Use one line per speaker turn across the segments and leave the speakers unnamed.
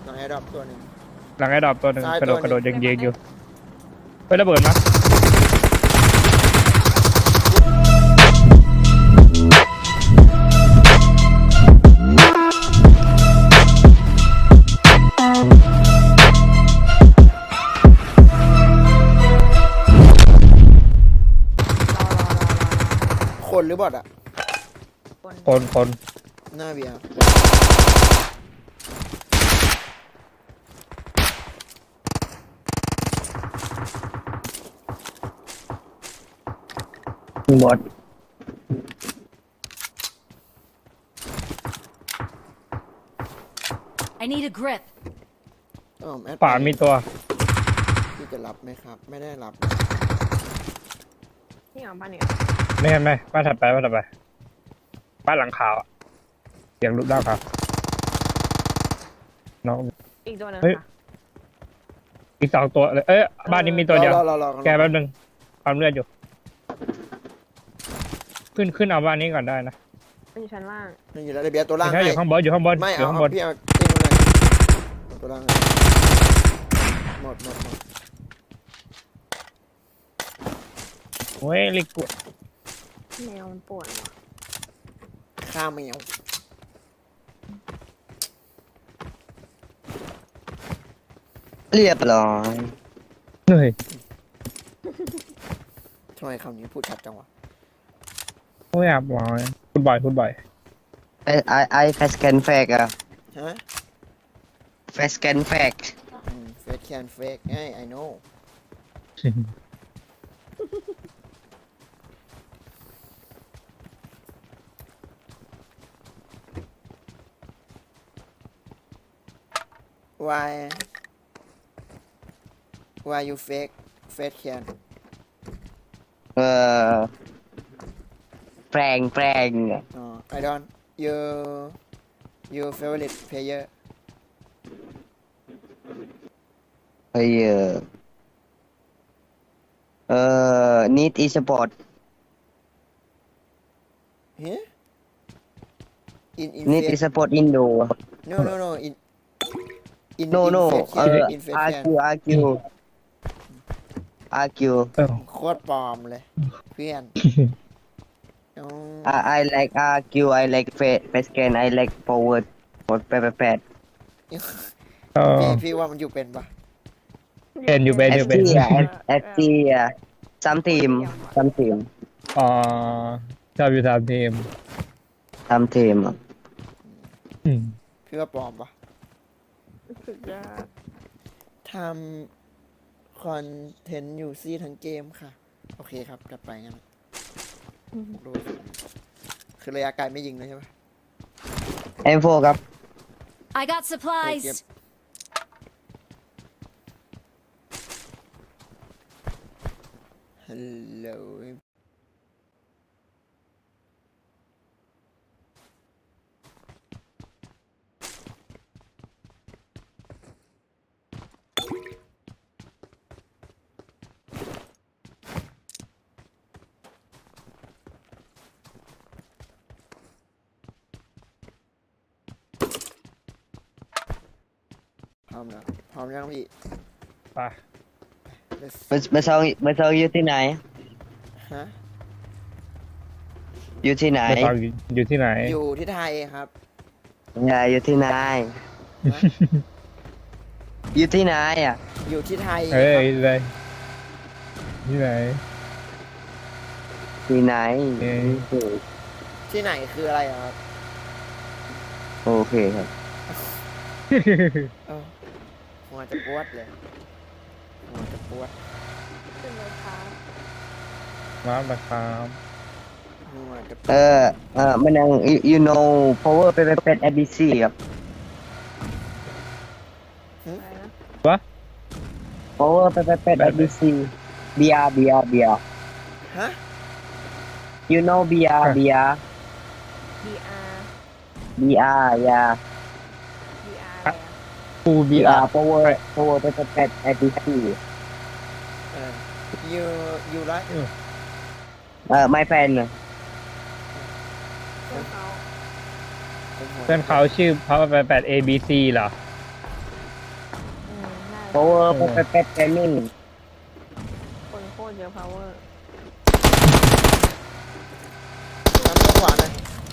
หลังแอร์ดรอปตัวหนึ่ง
หลังไอ้ดอกตัวหนึ่ง
ซ้าย
กระโดด
ตัวหนึ่ง
กระโดดยิงอยู่เฮ้ยระเบิดมา
คนหรือบอทอะ
คน
หน้าเบียร์
บอด
I need a grip.
แอด
ป่ามีตัว
พี่จะรับไหมครับ ไม่ได้รับ
นี่เหรอบ้านนี่
ไม่บ้านถัดไปบ้านหลังขาวอะเสียงลุกด้านขาวน้อง
อีกตัวหนึง
เฮ้ย
ค่ะ
อีก2 ตัวเลยบ้านนี้มีตัวเดียว
รอ
แกแป๊บนึงความเลือดอยู่ขึ้นเอาบ้านนี้ก่อนได้นะ
มันอยู่ชั้นล่าง
นี่อยู่แล้วเบียร์ตัวล่าง
ไม่ใช่อยู่ข้างบนอยู่ข้างบน
ไม่
อยู่
เอา
ข้างบน
พี่เอาติ้งเลยตัวล่างหมด
โอ้ยลิก
แมวมันป่วนว่ะ
ข้ามแมว
เรียบร้อย
เหนื่อย
ทำไมคำนี้พูดชัดจังวะ
โอ้ยอับวอยพูดบ่อย
ไอแฟสแกนแฟกอะ
ฮะ
แฟสแกนแฟก
เฟกแคนเฟกไอ้ I know why you fake can
เอ่อแปลง
I don't your favorite player
เฮ้ยneed e sport
huh in
need e
fake
sport indo
no in
no
fake can in fake can
argue
โคตรปลอมเลยเพื่อนอ๋อ
I like argue I like face scan I like forward หมดแปด
พี่ว่ามันอยู่เป็นปะ
เป็นอยู่เป็น
ST อ่ะ ST อ่ะ some team
อ๋อชอบอยู่3 ทีม
some team อ่ะ
พี่ว่าปลอมปะ
สุดยอด
ทำคอนเทนต์อยู่ซี่ทั้งเกมค่ะ โอเคครับกลับไปงั้นรู้คือระยะไกลไม่ยิงเลยใช่ปะ
M4 ครับ
I got
Yep.
supplies.
Hello พร้อมแล้วพร้อมยังพี่
ไป
Let's
เมื่อเช้าอยู่ที่ไหน
ฮะ
อยู่ที่ไหน
ไม่ฟังอยู่ที่ไหน
อยู่ที่ไทยครับ
อย่าอยู่ที่ไหน
ฮะ
อยู่ที่ไหนอ่ะ
อยู่ที่ไทย
เฮ้ย
ครับ
เลยที่ไหน
ที่ไหน
ที่ไหนคืออะไรอะครับ
โอเคครับ
เอ้าหัวจะปวดเลยหัวจะปวด
ขึ้นเลยครับ
มาบักครับ
หัวจะปวด
มันยัง you know power เป็น ABC ครับ
อะไรนะ
วะ
power เป็น ABC BR
ฮะ
you know BR
BR
BR yeah
BR อะไรอ่ะ
ปูบี
BR power เป็น ABC
you like
my friend
เพื่อนเขา
เพื่อนเขาชื่อเขา8 ABC เหรอ
power perfect gaming
คนโคตรเยอะ power
น้ำตัวขวาหน่อย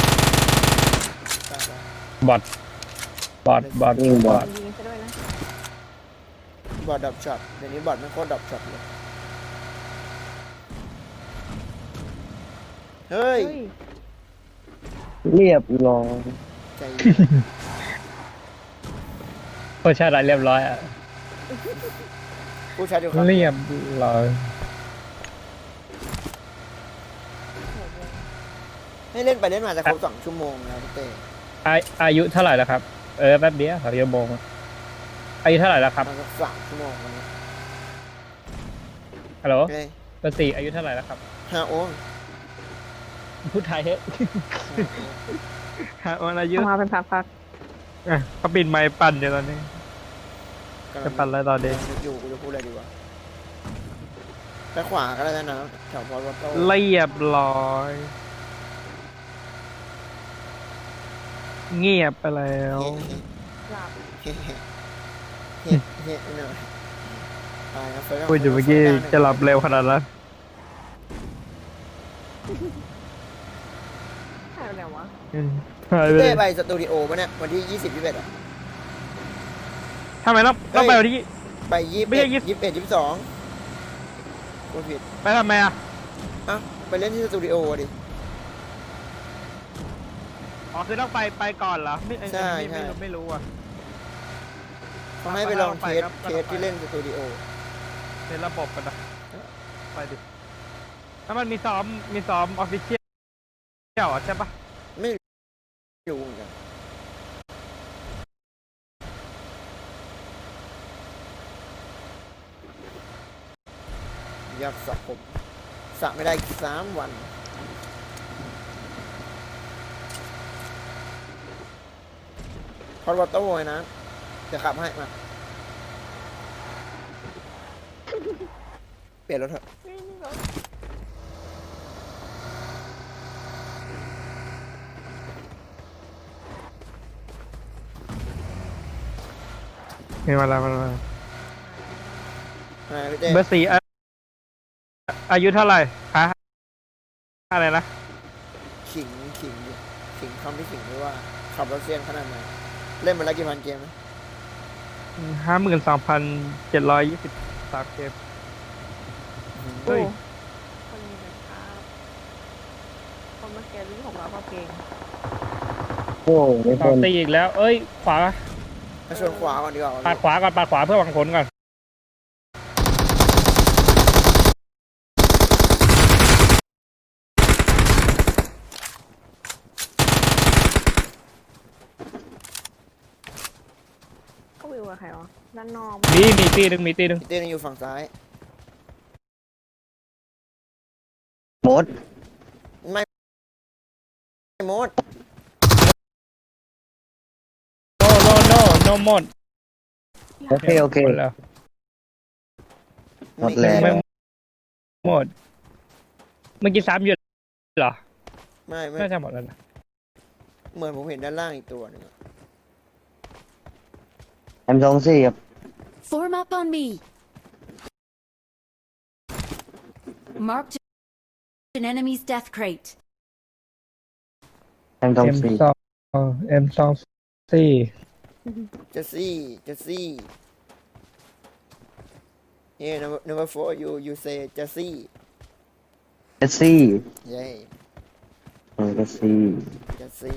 ไป
บอทบอท
ยิงบอท
ยิงซะด้วยนะ
บอทดับช็อตเดี๋ยวนี้บอทมันโคตรดับช็อตเลยเฮ้ย
เฮ้ย
เรียบร้อย
ใจเย็น
โคชาติเรียบร้อยอ่ะ
ผู้ชายอยู่ครับ
เรียบร้อย
ให้เล่นไปเล่นมาจะครบ2 ชั่วโมงแล้วพี่เต้
อายุเท่าไหร่แล้วครับแป๊บเดียวครับชั่วโมงอายุเท่าไหร่แล้วครับ
มาสัก3 ชั่วโมงวันนี้
ฮัลโหล
โอเค
เบอร์สี่อายุเท่าไหร่แล้วครับ
5 โอ้ง
พูดไทยเฮ้ยวันอายุ
เอามาเป็นพัก
เขาปิดไม้ปั่นอยู่ตอนนี้
กำลั
จะ
ง
ปั่นอะไรตอนนี้
นึกอยู่กูจะพูดอะไรดีวะไปขวาก็ได้นะแถวพอวัตโต้
เรียบร้อย เงียบไปแล้ว
ๆหลับ
เฮ้หน่อยตายครับเฟิร์ส
พูดอยู่เมื่อกี้จะหลับเร็วขนาดนั้น
หายไปไหนวะ
หายไปเล
เต้
ย
ไปสตูดิโอปะเนี่ยวันที่20-21อ่ะ
ทำไมต้องไปวันที่
ไป21
ไม่ใช่
21 22พูดผิด
ไปทำไมอ่ะ
อ่ะไปเล่นที่สตูดิโอดิ
อ๋อคือต้องไปก่อนเหรอไม่
ใช่
ไม่รู้อ่ะ
เขาให้ไปลองเทส
ก็ต้องไป
ที่เล่นสตูดิโอ
เป็นระบบกันนะไปดิถ้ามันมีซ้อมออฟฟิเชียลใช่ปะ
ไม่รู้เหมือนกันอยากสระผมสระไม่ได้อีก3 วันพอดวัตโต้ไงนะจะขับให้มาเปลี่ยนรถเถอะ
นี่รถ
มีมาแล้ว
พี่เต้
เบอร์สี่อายุเท่าไหร่ฮะอะไรนะ
ขิงดิขิงคำที่ขิงด้วยว่าขับรถเซียนขนาดไหนเล่นมาแล้วกี่พันเกมนะ
52,723 เกม เฮ้
โอ้
ย
คนมีเป็นภาพคนเมื่อกี้ที่ของเราก็เพลง
โอ้ไม่
ต่อ
พ้น
ตีอีกแล้ว เอ้ย ขวา
มาชวนขวาก่อนดีกว่า
ปาดขวาก่อนปาดขวาเพื่อหวังผลก่อน
ก็วิวกับใครวะด้านนอก
มีตีหนึ่ง
พี่เต้ยังอยู่ฝั่งซ้าย
หมด
ไม่หมด
โนหมด
โอเคโอเค
หมดแล้ว
หมดแล้ว
ไม่หมด เมื่อกี้ซ้ำอยู่เหรอ
ไม่
น่าจะหมดแล้วนะ
เหมือนผมเห็นด้านล่างอีกตัวหนึงอะ
M24 ครับ
Form up on me. Marked an enemy's death crate.
M24
M24
เจสซี่เนี่ย number 4 you say เจสซี่
เจสซี่
เย้
เจสซี่
เจสซี่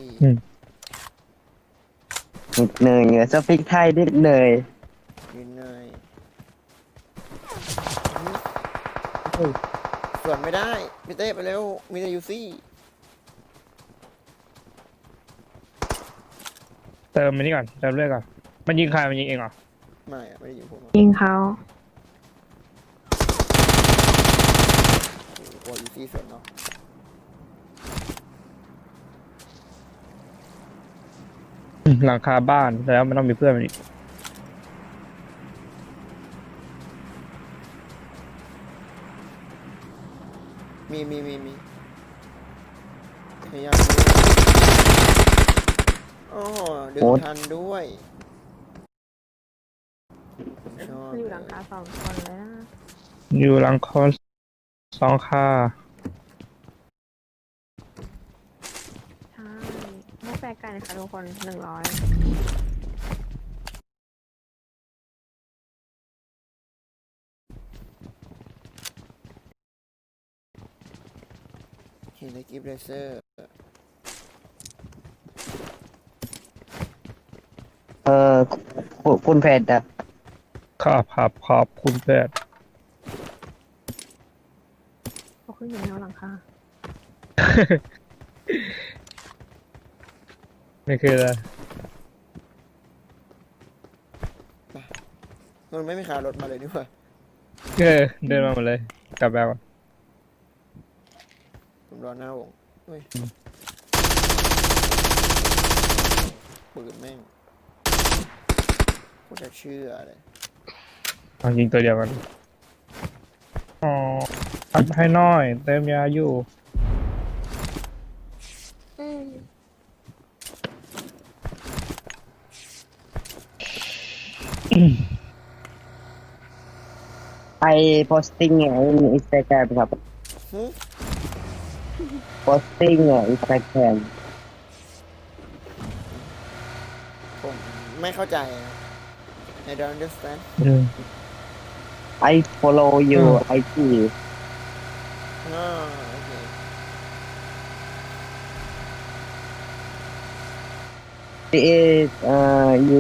นิดหนึ่งสปิกไทยนิดหนึ่ง
ยืนหน่อยส่วนไม่ได้พี่เต้ไปเร็วมีแต่ยูซี่
เติมมันนี่ก่อน เติมเลือดก่อน มันยิงใคร มันยิงเองเหรอ
ไม่อะไม่ได้อยู่ผมอะ
ยิงเขา
โอ้ยูซี่ส่วนเนาะ
หลังคาบ้านแล้วมันต้องมีเพื่อนมันอีก
มีพยายามโอ้ดึงทันด้วยชอบ
อยู่หลังคา2 คนเลยนะ
อยู่หลังคอน2 ค่า
ใช่ไม่แปลกกันค่ะทุกคน100
เห็นในกิฟต์เลเซอร์
คุณเพชรอะ
ครับคุณแพทย์
เขาขึ้นอยู่แนวหลังคา
ไม่คืออะไร
มันไม่มีขารถมาเลยนี่หว่า
เดินมาหมดเลย กลับแบบ
ผมรอหน้าวงเฮ้ยปืนแม่งกูจะเชื่อเลย
เอายิงตัวเดียวกัน อ๋อพัดให้น้อย เติมยาอยู่
ไอ posting ใน Instagram ครับ
หึ
posting ใน Instagram
ผมไม่เข้าใจครับ I don't understand
I follow you IG
อ๋อโอเค
it is you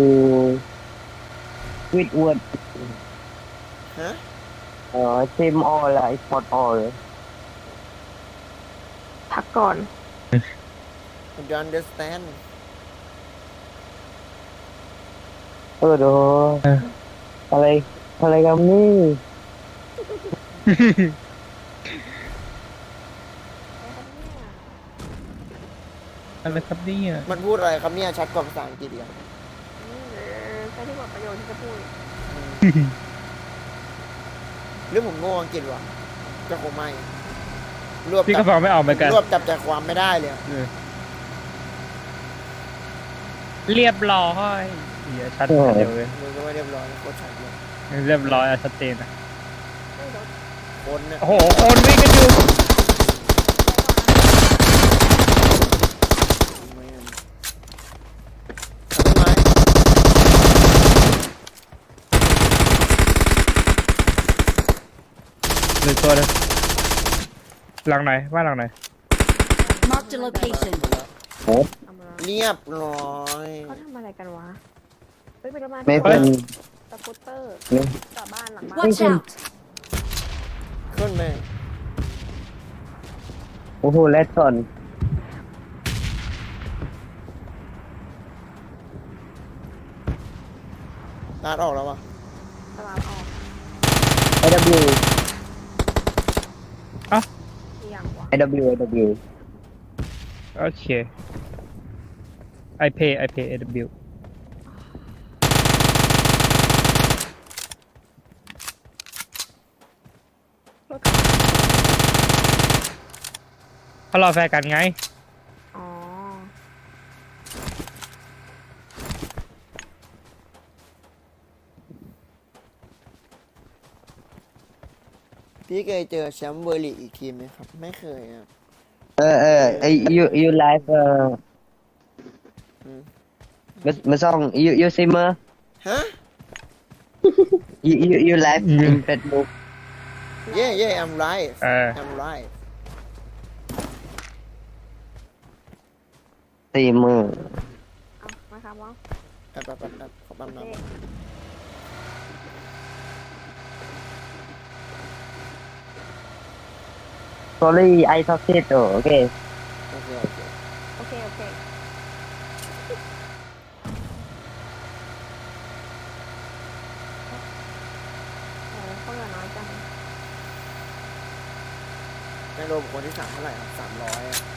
with word
ฮะ
same all I spot all
พักก่อน
I don't understand
เดี๋ยวอะไรกันนี่
อะไรครับเนี่ย
มันพูดอะไรครับเนี่ยชัดกว่าภาษาอังกฤษอีกอะ
ใช่ที่หมดประโยชน์ที่จะพูด
หรือผมโง่อังกฤษวะก็คงไม่รวบ
พี่
จั
ก็ฟังไม่ออกเหมือนกัน
รวบจับใจความไม่ได้เลยอะ
เรียบร้อยเดี๋ยวชัดเดียวเลย
มือก็ไม่เรียบร้อยนะโคตรชัดเลย
เรียบร้อยอะชัดเจนอะ
ไม่รถ
คนเนี่ย
โอ้โห คนวิ่งกันอยู่
ไม่งั้นทำไม
หนึ่งตัวเลยหลังไหนว่าหลังไหน
Marked a location.
ทำอะไร
เรียบร้อย
เขาทำอะไรกันวะเฮ้ยเป็นรถมา
ไม่เป็น
สกูตเตอร์
เนี่ย
จอดบ้านหลังบ้าน
Watch out!
ขึ้นแม่ง
โอ้โหเลสซอน
ลาดออกแล้ววะ
ตลาดออก
AW
อีกอย่างวะ
AW
โอเค I pay AW
รถกระบะ
เขารอแฟนกันไง
อ๋อ
พี่เคยเจอแชมป์เบอร์ลีกอีกทีมไหมครับ ไม่เคยครับ
you live
อืม
มาซ่อง you streamer
ฮะ
you live in Facebook
yeah I'm right I'm right
streamer
เอามาครับว่า
แป๊บขอปั๊มน้ำ
sorry I talk it okay
โอเค
โอเคโอเคโอ้เขาเหลือน้อยจัง
ในโลบุคคลที่3เท่าไหร่ครับ300อะ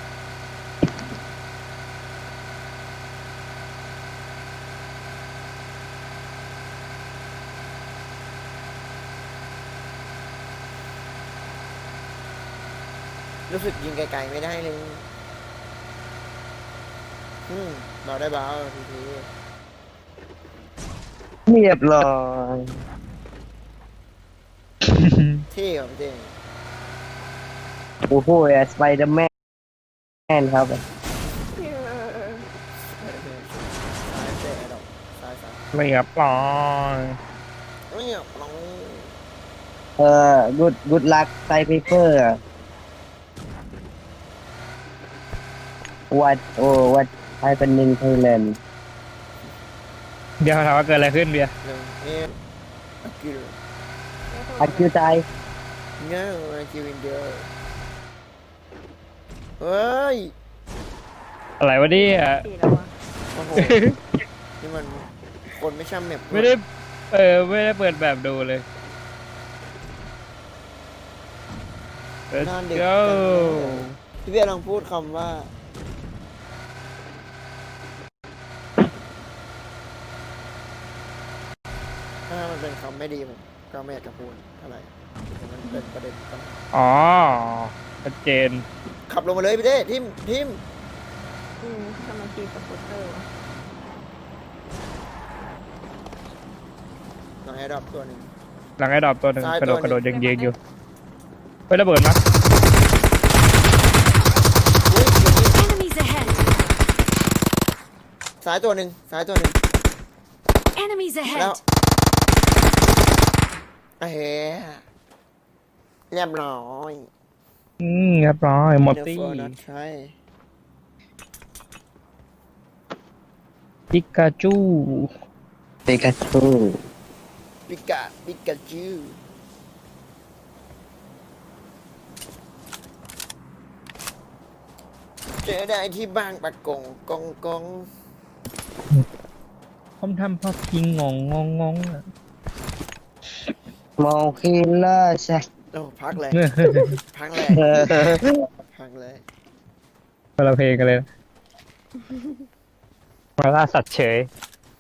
รู้สึกยิงไกลๆไม่ได้เลยเราได้บ้าที
เรียบร้อย
เท่เหรอพี่เต้
โอ้โหสไปเดอร์แมนครับ
ซ้ายเต้ดอกซ้าย
เรียบร้อย
เนี่ยน้อง
good luck ไซเปเปอร์ what happened in Thailand
เดี๋ยวถามว่าเกิดอะไรขึ้นเบียร์
เรื่องเอ็มอากิล
อาคิวตาย
เงี้ยอากิลอินเดียเฮ้ย
อะไรวะเนี่ย
ปีแล้วอะ
โอ้โหนี่มันคนไม่ช่ำแมป
ไม่ได้ไม่ได้เปิดแบบดูเลย Let's
หน้าเด็ก
go
พี่เบียร์ลองพูดคำว่าถ้ามันเป็นคำไม่ดีผมก็ไม่อยากจะพูดอะไรแต่มันเป็นประเด็นปัญหา
อ๋อชัดเจน
ขับลงมาเลยพี่เต้ทิม
ทำไมทีสกูตเตอร์วะ
น้องแอร์ดรอปตัวหนึ่ง
หลังไอ้ดอบตัวหนึ่ง
ซ้าย
กระโดด
ตัวหนึ่ง
กระโดดยิงยิงอยู่เฮ้ยระเบิดมั้ย
อุ๊ยเดี๋ยวนี้
Enemies ahead!
ซ้ายตัวหนึ่ง
Enemies
แล้ว
ahead!
เฮ้เรียบร้อย
เรียบร้อยหมด
เน
ตี้
ฟอร์นัทใช่
ปิกาจู
เปกาชู
ปิกาจูเจอได้ที่บางปะกงกง
ผมทำพอพิงงงอะ
มอลคิลเลอร์ใช่
โอ้พักเลย พักเลย พักเลย
คนละเพลงกันเลยนะมาล่าสัตว์เฉย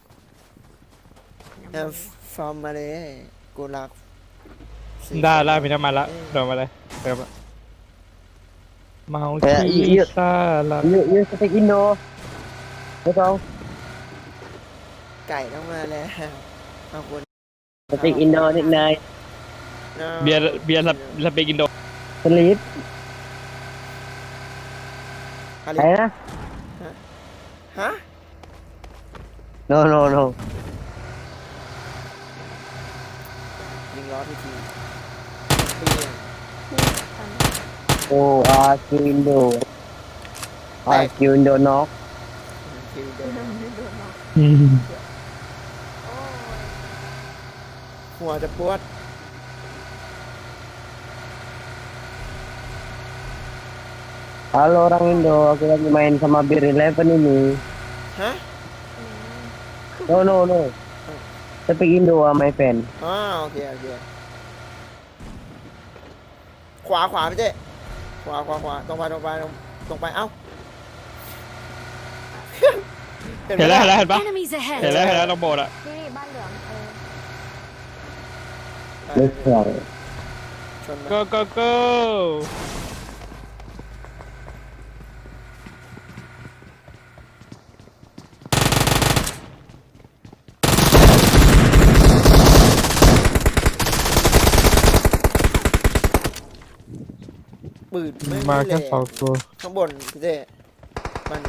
แอมฟอร์มมาเลยกูรัก
ได้แล้วมีน้ำมันละโดนมาเลยเติมละเมาคีซ่าละ
ยูสเปกอินโดไม่ต้อง
ไก่ต้องมาแล้วเอาคน
สเปกอินโดนิดหน่อย
เบียร์สเปกินโด
สลีป
อะไร
อะไรนะ
ฮะ
no no no
ยิงล้อทีเปี้ยง
โอ้อาคิวอินโดอาคิวอินโดน็อก
คิวเดิน
ไม่โดนหรอก
หัวจะปวด
halo orang Indo aku lagi main sama Bir 11 ini
ฮะ
no no no speak Indo my friend
อ๋อโอเคขวาพี่เต้ขวาตรงไปเอ้า
เห็นแล้วเห็นปะ
Enemies
เห็น
ahead!
แล้วต้องโบดอะ
นี่บ้านเหลือง
let's go
ชน
go go go
ปืนไม่
มา
เล
แค่
ย
สองตัว
ข้างบนพี่เต้มัน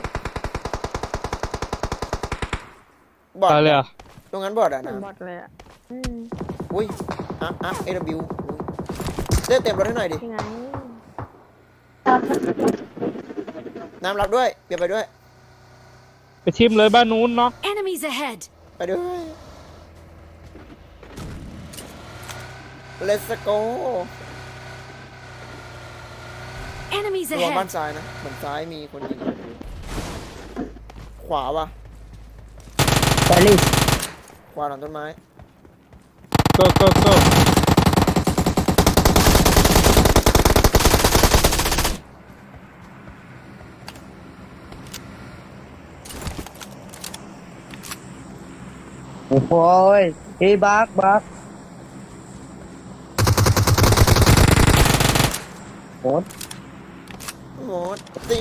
บอด
ตายเลยอ่ะ
ตรงนั้นบอดอ่ะ
เหมือน
นะ
บอดเลยอ่ะ
อุ้ยAW เต้เต็มรถให้หน่อยดิ
ยังไง
น้ำรับด้วยเบียร์ไปด้วย
ไปชิมเลยบ้านนู้นเนาะ
Enemies ahead!
ไปด้วย Let's go
Enemies
ระวังบ้าน
ahead!
ซ้ายนะเหมือนซ้ายมีคนยิงขวาว่ะ
Paris
ขวาหลังต้นไม้
go go go
โอ้โหยเฮ้ยบักหมด
หมดตี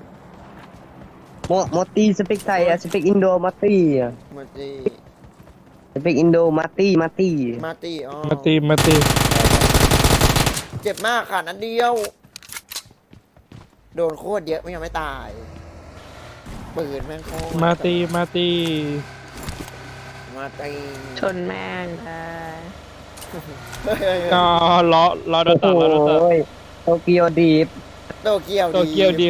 หมดตีสเปกไทยอะสเปกอินโดมาตีอะ
หมดตี
สเปกอินโดมาตี้
มาตีอ๋อ
มาตี
เจ็บมากค่ะนัดเดียว โดนโคตรเยอะไม่ยังไม่ตายปืนแม่งโคตร
มาตี
มาตี
ชนแม่งค่ะ
เฮ้ย
ก็ล้อโด
โอ้
น
โห
ตัดล้อโดนตัด
โตเกียวดีฟ
โตเกียว
โตเกียวดี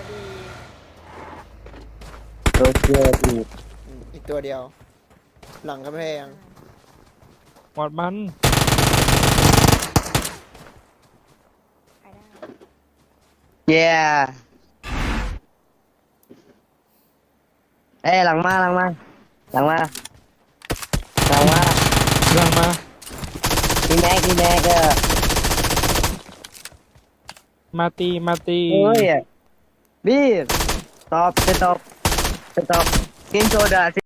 โตเกียวดีฟ
อีกตัวเดียว หลังกำแพง
หมดมัน
ใครได้
เย้เอ้ยหลังมา
หลังมา
พี่แม็ก
มาตี
เฮ้ยบีบสต็อปเกมโซดา